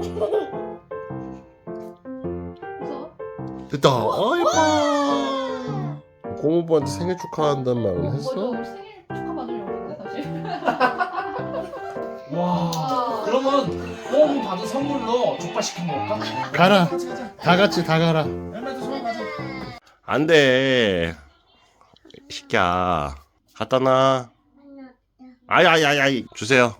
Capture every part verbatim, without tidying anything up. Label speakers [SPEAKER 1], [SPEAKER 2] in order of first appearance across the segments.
[SPEAKER 1] 무서워?
[SPEAKER 2] 됐다. 어 예뻐. 고모부한테 생일 축하한다는 말은
[SPEAKER 1] 먼저
[SPEAKER 2] 했어?
[SPEAKER 1] 우리 생일 축하 받으려고 했는데 사실.
[SPEAKER 3] 와, 그러면 뽕 받은 선물로 족발 시켜 먹을까?
[SPEAKER 2] 가라.
[SPEAKER 3] 같이 가자.
[SPEAKER 2] 다 같이 다 가라.
[SPEAKER 3] 열매도 손 가자.
[SPEAKER 2] 안 돼. 시끼야. 갖다 놔. 아야야야. 주세요.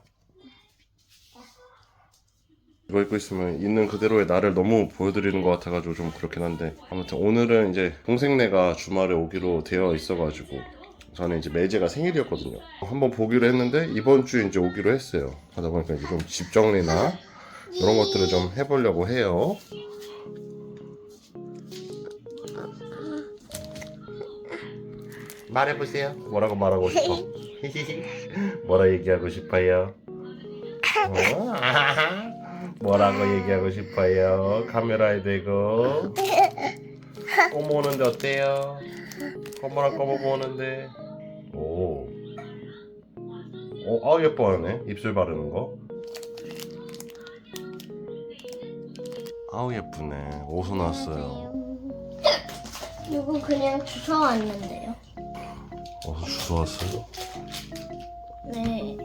[SPEAKER 2] 이거 입고 있으면 있는 그대로의 나를 너무 보여드리는 것 같아가지고 좀 그렇긴 한데, 아무튼 오늘은 이제 동생네가 주말에 오기로 되어 있어가지고 저는 이제 매제가 생일이었거든요. 한번 보기로 했는데 이번 주에 이제 오기로 했어요. 하다 보니까 이제 좀 집 정리나 이런 것들을 좀 해보려고 해요. 말해보세요. 뭐라고 말하고 싶어? 뭐라 얘기하고 싶어요? 어? 뭐라고 얘기하고 싶어요? 카메라에 대고. 꼬모 오는데 어때요? 꼬모랑 꼬모고 오는데. 오. 오, 아 예뻐하네. 입술 바르는 거. 아우 예쁘네. 어디서 나왔어요?
[SPEAKER 4] 이거 그냥 주워 왔는데요.
[SPEAKER 2] 어디서 주워왔어요?
[SPEAKER 4] 네.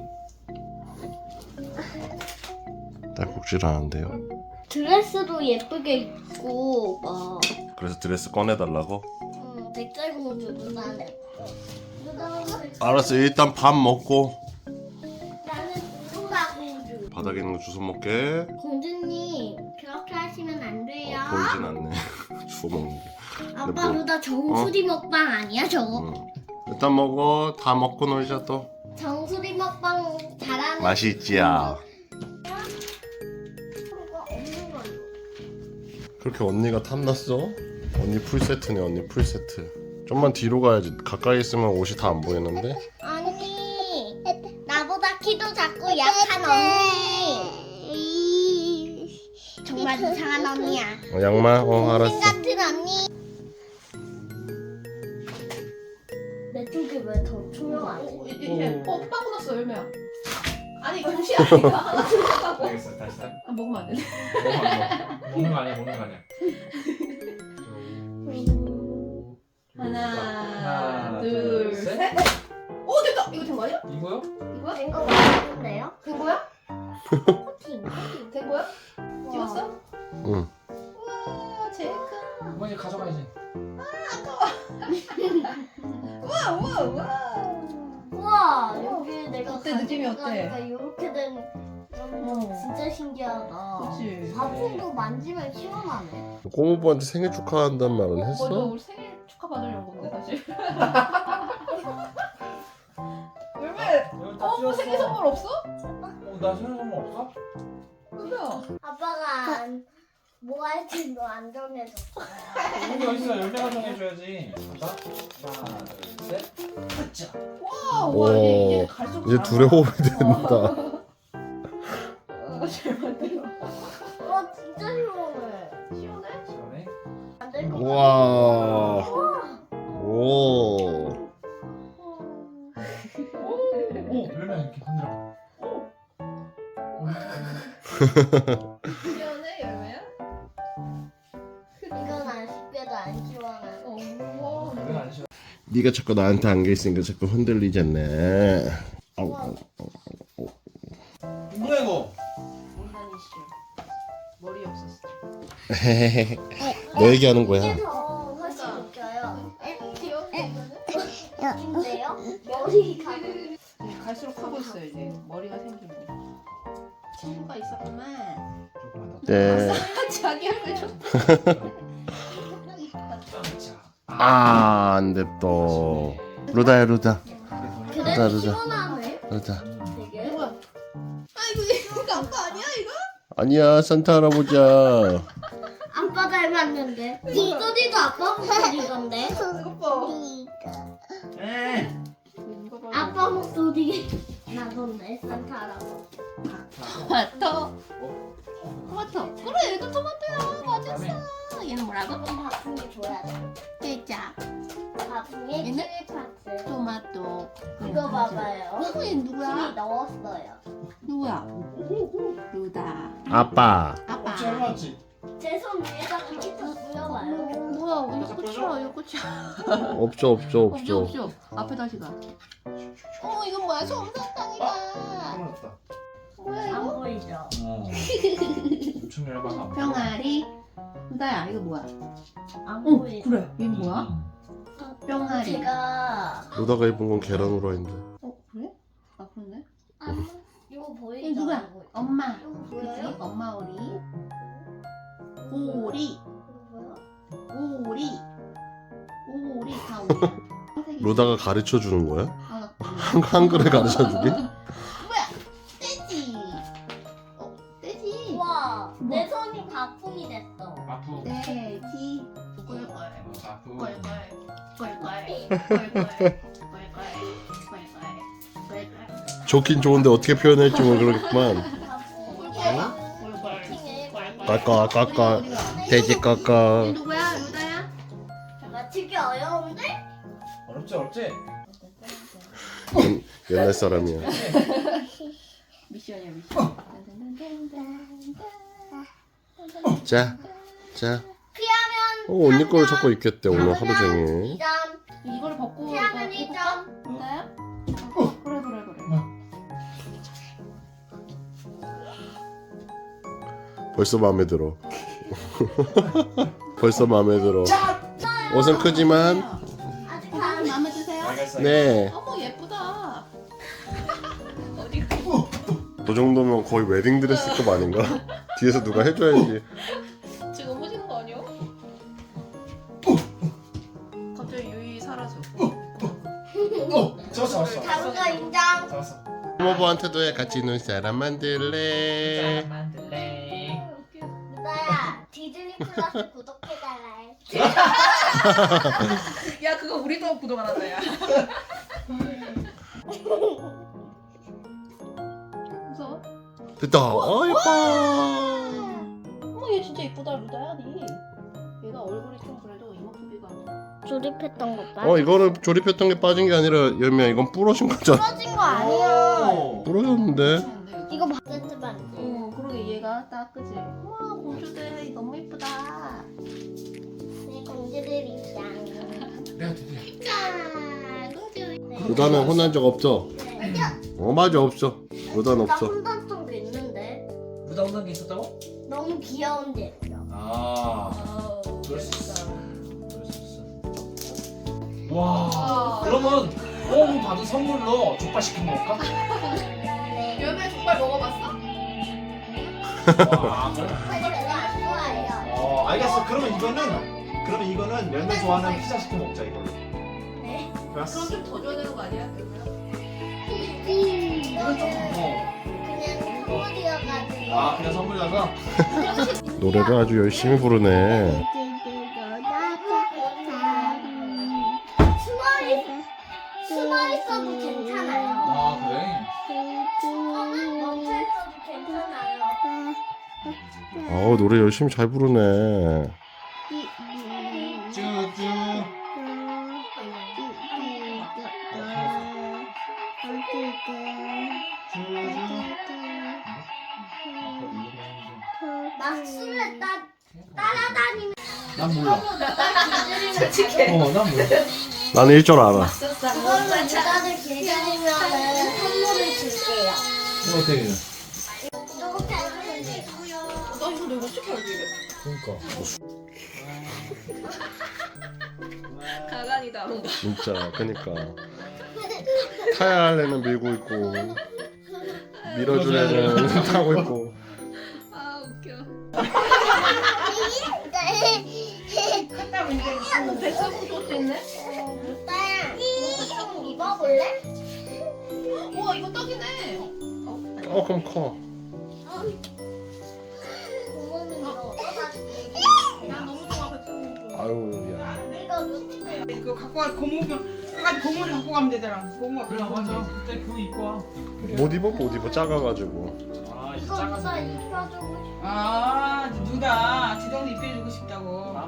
[SPEAKER 2] 딸꾹질 하는데요.
[SPEAKER 4] 드레스도 예쁘게 입고 막
[SPEAKER 2] 그래서 드레스 꺼내달라고?
[SPEAKER 4] 음, 백설공주 누나네. 누나가
[SPEAKER 2] 알았어. 일단 밥 먹고
[SPEAKER 4] 나는 누나공주.
[SPEAKER 2] 바닥에 있는 거 주워 먹게.
[SPEAKER 4] 공주님 그렇게 하시면 안 돼요.
[SPEAKER 2] 어, 보이진 않네. 주워 먹는 게.
[SPEAKER 4] 아빠
[SPEAKER 2] 뭐-
[SPEAKER 4] 그다 정수리 먹방 아니야 저거?
[SPEAKER 2] 응. 일단 먹어. 다 먹고 놀자 또.
[SPEAKER 4] 정수리 먹방 잘하는.
[SPEAKER 2] 맛이 있지야.
[SPEAKER 4] 그거 없는 걸로.
[SPEAKER 2] 그렇게 언니가 탐났어? 언니 풀세트네. 언니 풀세트. 좀만 뒤로 가야지. 가까이 있으면 옷이 다 안 보이는데.
[SPEAKER 4] 언니 나보다 키도 작고 약한 언니. 정말 이상한 언니야.
[SPEAKER 2] 어, 양말? 어
[SPEAKER 4] 동생
[SPEAKER 2] 알았어.
[SPEAKER 4] 같은 언니. 내 쪽이 왜 더 투명하지?
[SPEAKER 1] 어, 이게 어 빵꾸 났어 열매야. 아니 동시 아니야.
[SPEAKER 3] 알겠어, 다시 다.
[SPEAKER 1] 아 먹으면 안 돼.
[SPEAKER 3] 먹는 거 아니야, 먹는 거 아니야.
[SPEAKER 1] 하나, 둘, 셋. 오 됐다. 이거 된 거 아니야?
[SPEAKER 3] 이거요?
[SPEAKER 1] 이거야?
[SPEAKER 4] 된 거 같은데요?
[SPEAKER 1] 된 거야?
[SPEAKER 4] 코팅.
[SPEAKER 1] 된 거야? 찍었어?
[SPEAKER 2] 응.
[SPEAKER 1] 우와 제일 큰.
[SPEAKER 3] 이거 이제 가져가야지.
[SPEAKER 1] 우와 우와 우와.
[SPEAKER 4] 우와 여기 내가
[SPEAKER 1] 어때? 느낌이 어때?
[SPEAKER 4] 이렇게 된
[SPEAKER 1] 어.
[SPEAKER 4] 진짜 신기하다.
[SPEAKER 1] 그치.
[SPEAKER 4] 화분도 만지면 시원하네.
[SPEAKER 2] 고모부한테 생일 축하한다는 말은
[SPEAKER 1] 먼저
[SPEAKER 2] 했어?
[SPEAKER 1] 우리 생일 축하 받으려고 했는데 사실. 열매.
[SPEAKER 3] 여기 다
[SPEAKER 1] 어
[SPEAKER 3] 씌웠어.
[SPEAKER 1] 생일 선물 없어?
[SPEAKER 3] 어, 나 생일 선물 없어?
[SPEAKER 1] 열매야.
[SPEAKER 4] 아빠가 안- 뭐 할지 너 안 정해줬어.
[SPEAKER 3] 여기 어딨어? 열매가 정해줘야지. 가자. 하나, 둘, 셋. 가자.
[SPEAKER 1] 와 우와 이게
[SPEAKER 2] 오,
[SPEAKER 1] 이게 갈수록
[SPEAKER 2] 이제
[SPEAKER 1] 잘한다.
[SPEAKER 2] 둘의 호흡이 된다.
[SPEAKER 1] 아, 잘 만들어.
[SPEAKER 4] 와 진짜 시원해.
[SPEAKER 1] 시원해?
[SPEAKER 3] 시원해?
[SPEAKER 4] 안될것 같아.
[SPEAKER 2] 우와. 오.
[SPEAKER 3] 오, 열매 이렇게 흔들어.
[SPEAKER 1] 시원해 열매야?
[SPEAKER 4] 이건 아쉽게도 안 시원해.
[SPEAKER 1] 어, 우와.
[SPEAKER 3] 이건 안 시원.
[SPEAKER 2] 네가 자꾸 나한테 안겨 있으니까 자꾸 흔들리잖아. 아우, 아우.
[SPEAKER 3] 뭐야 이거?
[SPEAKER 1] 온다니 씨. 머리 없었어.
[SPEAKER 2] 너 얘기하는 거야.
[SPEAKER 4] 이게 더 훨씬 웃겨요.
[SPEAKER 1] 귀엽네 이거는.
[SPEAKER 4] 근데요? 머리가
[SPEAKER 1] 네, 갈수록 하고 있어요 이제 머리가 생기고. 친구가 있었구만.
[SPEAKER 3] 조금만 더.
[SPEAKER 2] 네.
[SPEAKER 1] 자기 얼굴 좀.
[SPEAKER 3] 자.
[SPEAKER 2] 아, 안 돼 또. 루다야, 루다.
[SPEAKER 4] 그래도
[SPEAKER 2] 루다, 루다.
[SPEAKER 4] 시원하네.
[SPEAKER 2] 루다.
[SPEAKER 4] 되게.
[SPEAKER 1] 뭐야? 아 이거 이거 아빠 아니야 이거?
[SPEAKER 2] 아니야, 산타 할아버지야.
[SPEAKER 4] 아빠 닮았는데. 목소리도 아빠 목소리던데.
[SPEAKER 1] 이거 봐.
[SPEAKER 3] 에.
[SPEAKER 1] 이거 봐.
[SPEAKER 4] 아빠 목소리 나던데 산타 할아버지.
[SPEAKER 1] 토마토. 토마토. 그래 이거 토마토야. 맞아.
[SPEAKER 3] 다음에
[SPEAKER 1] 얘는 뭐라고?
[SPEAKER 4] 그럼 바풍이 줘야 돼.
[SPEAKER 1] 깨자,
[SPEAKER 4] 바풍에
[SPEAKER 1] 얘는?
[SPEAKER 4] 칠리 파츠.
[SPEAKER 1] 토마토.
[SPEAKER 4] 이거 봐봐요.
[SPEAKER 1] 어, 얘
[SPEAKER 4] 칠리
[SPEAKER 1] 누구야?
[SPEAKER 4] 넣었어요.
[SPEAKER 1] 누구야? 루다.
[SPEAKER 2] 아빠.
[SPEAKER 1] 아빠.
[SPEAKER 3] 어, 잘 맞지?
[SPEAKER 4] 제 손 위에다가 키쳐 뿌려봐요.
[SPEAKER 1] 뭐야? 이거
[SPEAKER 3] 다시
[SPEAKER 1] 끝이야. 이거 끝이야.
[SPEAKER 2] 없죠 없죠
[SPEAKER 1] 없죠
[SPEAKER 2] 없죠.
[SPEAKER 1] 없죠. 앞에 다시 가. 어 이건 뭐야? 솜사탕이다.
[SPEAKER 3] 떨어졌다.
[SPEAKER 1] 뭐야
[SPEAKER 4] 안
[SPEAKER 1] 이거?
[SPEAKER 4] 보이죠?
[SPEAKER 3] 어. 엄청 열받아.
[SPEAKER 1] 병아리. 루다야 이거 뭐야?
[SPEAKER 4] 안
[SPEAKER 1] 어
[SPEAKER 4] 보이죠?
[SPEAKER 1] 그래. 얘는 뭐야? 병아리.
[SPEAKER 4] 제가
[SPEAKER 2] 루다가 입은 건 계란 후라이인데.
[SPEAKER 1] 어 그래? 아 그렇네.
[SPEAKER 4] 안 이거 보이죠?
[SPEAKER 1] 얘 누구야?
[SPEAKER 4] 안 보이죠?
[SPEAKER 1] 엄마.
[SPEAKER 4] 이거
[SPEAKER 1] 그치?
[SPEAKER 4] 보여요?
[SPEAKER 1] 엄마 오리. 오리.
[SPEAKER 4] 이거 보여?
[SPEAKER 1] 오리. 오리 다 오리야.
[SPEAKER 2] 루다가 가르쳐 주는 거야?
[SPEAKER 1] 아,
[SPEAKER 2] 한 한글에 가르쳐 주기?
[SPEAKER 1] 뭐야? 떼지. 어 떼지.
[SPEAKER 4] 우와,
[SPEAKER 1] 뭐?
[SPEAKER 4] 내 손이 바풍이 됐어.
[SPEAKER 3] 아프.
[SPEAKER 1] 떼지. 꿀꿀.
[SPEAKER 3] 아프.
[SPEAKER 1] 꿀꿀. 꿀꿀. 꿀꿀. 꿀꿀. 꿀꿀.
[SPEAKER 2] 좋긴 좋은데 어떻게 표현할지 모르겠구만.
[SPEAKER 4] 바풍.
[SPEAKER 2] 까까 까까 돼지 까까.
[SPEAKER 1] 얘 누구야? 루다야?
[SPEAKER 4] 맞추기 어려운데?
[SPEAKER 3] 어렵지 어렵지?
[SPEAKER 2] 옛날 사람이야.
[SPEAKER 1] 미션이야 미션.
[SPEAKER 2] 자, 자.
[SPEAKER 4] 피하면
[SPEAKER 2] 어, 언니 거를 찾고 있겠대 오늘 하루 종일.
[SPEAKER 4] 이 점,
[SPEAKER 1] 이걸 벗고
[SPEAKER 4] 피하면
[SPEAKER 1] 이거
[SPEAKER 4] 일
[SPEAKER 1] 해볼까?
[SPEAKER 4] 점.
[SPEAKER 1] 루다야? 어, 그래 그래 그래.
[SPEAKER 2] 벌써 마음에 들어. 벌써 마음에 들어. 옷은 크지만
[SPEAKER 4] 아직
[SPEAKER 1] 어,
[SPEAKER 4] 안
[SPEAKER 1] 마음에 드세요?
[SPEAKER 3] 알겠어.
[SPEAKER 2] 네.
[SPEAKER 1] 어머 예쁘다. 어디
[SPEAKER 2] 그 정도면 거의 웨딩 드레스급 아닌가? 뒤에서 누가 해줘야지.
[SPEAKER 1] 지금 오시는 거 아니야? 갑자기 유이 사라져.
[SPEAKER 3] 어, 잡았어 잡았어.
[SPEAKER 4] 잡은 거 인정.
[SPEAKER 3] 잡았어.
[SPEAKER 2] 부모부한테도 해. 같이 눈사람 만들래.
[SPEAKER 3] 만들래.
[SPEAKER 4] 루다야, 디즈니 플러스 구독해달라 해.
[SPEAKER 1] 야 그거 우리도 구독 안 한다 야. 무서워?
[SPEAKER 2] 됐다. 어 예뻐.
[SPEAKER 1] 어머 얘 진짜 이쁘다 루다야 니. 얘가 얼굴이 좀 그래도 이목구비가
[SPEAKER 4] 조립했던 거 봐.
[SPEAKER 2] 어 이거는 조립했던 게 빠진 게 아니라 열매야 이건 부러진 거잖아.
[SPEAKER 4] 부러진 거 아니야.
[SPEAKER 2] 부러졌는데.
[SPEAKER 4] 이거 바게트 반.
[SPEAKER 1] 어 그러게 얘가 딱 그지. 와 공주들 너무 이쁘다.
[SPEAKER 4] 네, 공주들이 있잖아.
[SPEAKER 3] 내가 드디어.
[SPEAKER 4] 짠, 공주.
[SPEAKER 2] 루다는 혼난 적 없죠?
[SPEAKER 4] 네.
[SPEAKER 2] 어 맞아 없어. 루다는
[SPEAKER 4] 나
[SPEAKER 2] 없어.
[SPEAKER 4] 혼났던 게 있는데
[SPEAKER 3] 루다 혼난 게 있었다고?
[SPEAKER 4] 너무 귀여운데.
[SPEAKER 3] 아.
[SPEAKER 1] 아우
[SPEAKER 3] 그럴 수
[SPEAKER 1] 예쁘다.
[SPEAKER 3] 그럴 수 있어. 와. 그러면 오늘 받은 선물로 족발 시켜 먹을까?
[SPEAKER 4] 네.
[SPEAKER 1] 열매 족발 먹어봤어?
[SPEAKER 3] 와. 그래?
[SPEAKER 4] 근데 별로 안 좋아해요.
[SPEAKER 3] 어 알겠어. 그러면 이거는 그러면 이거는 열매 좋아하는 피자 시켜 먹자 이걸로.
[SPEAKER 4] 네.
[SPEAKER 3] 좋았어.
[SPEAKER 1] 그럼 좀 더 줘야 되는 거 아니야?
[SPEAKER 3] 이건 좀 어.
[SPEAKER 4] 그냥 선물이어가지고.
[SPEAKER 3] 아 그냥 선물이라서.
[SPEAKER 2] 노래를 아주 열심히 부르네.
[SPEAKER 4] 숨어 있 숨어 있어도 괜찮아요.
[SPEAKER 3] 아 그래.
[SPEAKER 4] 멈춰 있어도 괜찮아요.
[SPEAKER 2] 아우 노래 열심히 잘 부르네.
[SPEAKER 3] 쭈쭈.
[SPEAKER 4] 막 술래 따 따라다니면
[SPEAKER 3] 난 몰라.
[SPEAKER 1] 솔직히.
[SPEAKER 3] 어, 난 몰라.
[SPEAKER 2] 나는 일 줄 알아.
[SPEAKER 4] 그걸로 누가를 길들이면은 선물을 줄게요.
[SPEAKER 3] 이거 어떻게 해?
[SPEAKER 4] 이렇게 하면 돼요.
[SPEAKER 1] 나 이거 내가 어떻게 알지?
[SPEAKER 3] 그러니까.
[SPEAKER 1] 가관이다 뭔가.
[SPEAKER 2] 진짜 그니까 타야 할 애는 밀고 있고 밀어줄 애는 타고 있고.
[SPEAKER 1] 아 웃겨.
[SPEAKER 4] 갔다
[SPEAKER 1] 백설 소스 있네?
[SPEAKER 4] 루따야, 이거 좀 입어볼래?
[SPEAKER 1] 우와 이거 떡이네.
[SPEAKER 2] 어 그럼 커.
[SPEAKER 4] 부모님 이거 얻어가지고.
[SPEAKER 1] 나 너무 좋아 백설 소스.
[SPEAKER 2] 아유 야.
[SPEAKER 4] 이거 루따.
[SPEAKER 5] 이거 갖고 가 고무줄 한 가지 고무를 갖고 가면 되더라. 고무
[SPEAKER 3] 그래 맞아. 그때 그거 입고 와.
[SPEAKER 2] 못 입어 못 입어 작아가지고.
[SPEAKER 3] 아 이제
[SPEAKER 4] 이거
[SPEAKER 3] 작아서.
[SPEAKER 4] 루따 입혀주고 싶어.
[SPEAKER 5] 아 누가 지정이 입혀주고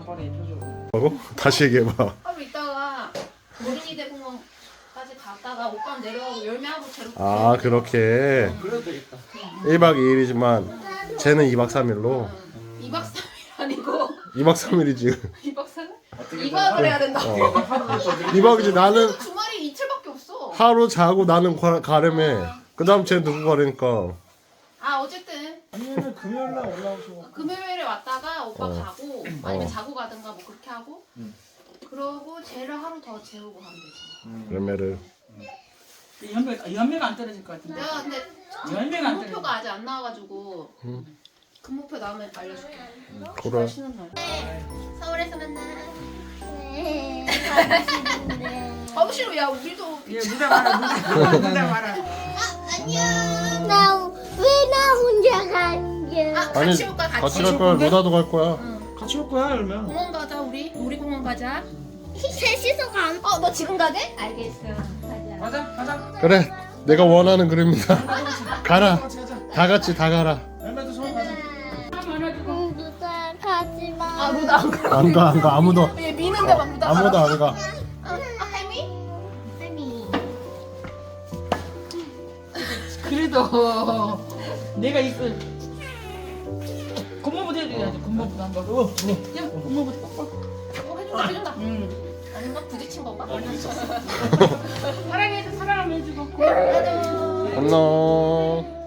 [SPEAKER 3] 간판에 입혀줘.
[SPEAKER 2] 뭐라고? 다시 얘기해봐.
[SPEAKER 1] 하루 있다가 어린이 대공원까지 갔다가 오빠 내려가고 열매하고 제로.
[SPEAKER 2] 아 그렇게
[SPEAKER 3] 그래도 되겠다.
[SPEAKER 2] 일 박 이 일이지만 쟤는 이 박 삼 일로
[SPEAKER 1] 이박 삼일 아니고
[SPEAKER 2] 이 박 삼 일이지.
[SPEAKER 1] 이박 삼일? 이박을 해야 된다.
[SPEAKER 2] 어.
[SPEAKER 3] 하루를 더 늘리고.
[SPEAKER 2] 이 박이지. 나는
[SPEAKER 1] 주말이 이틀밖에 없어.
[SPEAKER 2] 하루 자고 나는 가, 가려매. 그 다음 쟤 누구 가려니까.
[SPEAKER 1] 아 어쨌든
[SPEAKER 3] 아니면 금요일 날 올라오셔.
[SPEAKER 1] 금요일에 왔다가 오빠
[SPEAKER 2] 어.
[SPEAKER 1] 가고 아니면
[SPEAKER 2] 어.
[SPEAKER 1] 자고 가든가 뭐 그렇게 하고
[SPEAKER 3] 음.
[SPEAKER 1] 그러고 쟤를 하루 더 재우고 가면 되지.
[SPEAKER 2] 열매를.
[SPEAKER 5] 연배가 연배가 안 떨어질 것 같은데.
[SPEAKER 1] 내가 근데
[SPEAKER 5] 열매가 안 떨어져.
[SPEAKER 1] 근무표가 아직 안 나와가지고
[SPEAKER 2] 음.
[SPEAKER 1] 근무표 나오면 알려줄게.
[SPEAKER 2] 그래.
[SPEAKER 1] 쉬는 날. 서울에서 만나.
[SPEAKER 4] 네. 가고 싶은데.
[SPEAKER 1] 가고 싫어. 야 우리도
[SPEAKER 5] 예, 무대 봐라, 무대, 무대 봐라.
[SPEAKER 1] 안녕.
[SPEAKER 4] 나 왜 나 혼자 가는 게?
[SPEAKER 1] 아
[SPEAKER 2] 아니
[SPEAKER 1] 같이 올까 같이.
[SPEAKER 2] 같이 갈 거야. 루다도 갈 거야.
[SPEAKER 1] 응.
[SPEAKER 3] 같이 올 거야 그러면.
[SPEAKER 1] 공원 가자 우리. 우리 공원 가자.
[SPEAKER 4] 셋이서 가.
[SPEAKER 1] 어 너 지금 가게? 알겠어. 가자.
[SPEAKER 5] 가자, 가자.
[SPEAKER 2] 그래. 내가 원하는 그림이다. 가라.
[SPEAKER 3] 같이 가자.
[SPEAKER 2] 다 같이 다 가라.
[SPEAKER 3] 열매도 손 가자.
[SPEAKER 4] 응, 누나 가지 마.
[SPEAKER 1] 아 루다 안 가.
[SPEAKER 2] 안 가 안 가. 아무도
[SPEAKER 1] 얘 미는데 막 루다.
[SPEAKER 2] 아무도 안 가.
[SPEAKER 1] 아, 아 할미?
[SPEAKER 4] 할미.
[SPEAKER 5] 그래도 내가 있을. 겉모부터 해줘야지. 겉모부터 한 번. 어, 어.
[SPEAKER 1] 야 겉모부터 뽀뽀. 어 해준다 해준다.
[SPEAKER 5] 응.
[SPEAKER 1] 아닌가 부딪힌 건가?
[SPEAKER 5] 사랑해서 사랑하면 해주고.
[SPEAKER 1] 나도.
[SPEAKER 2] 안녕.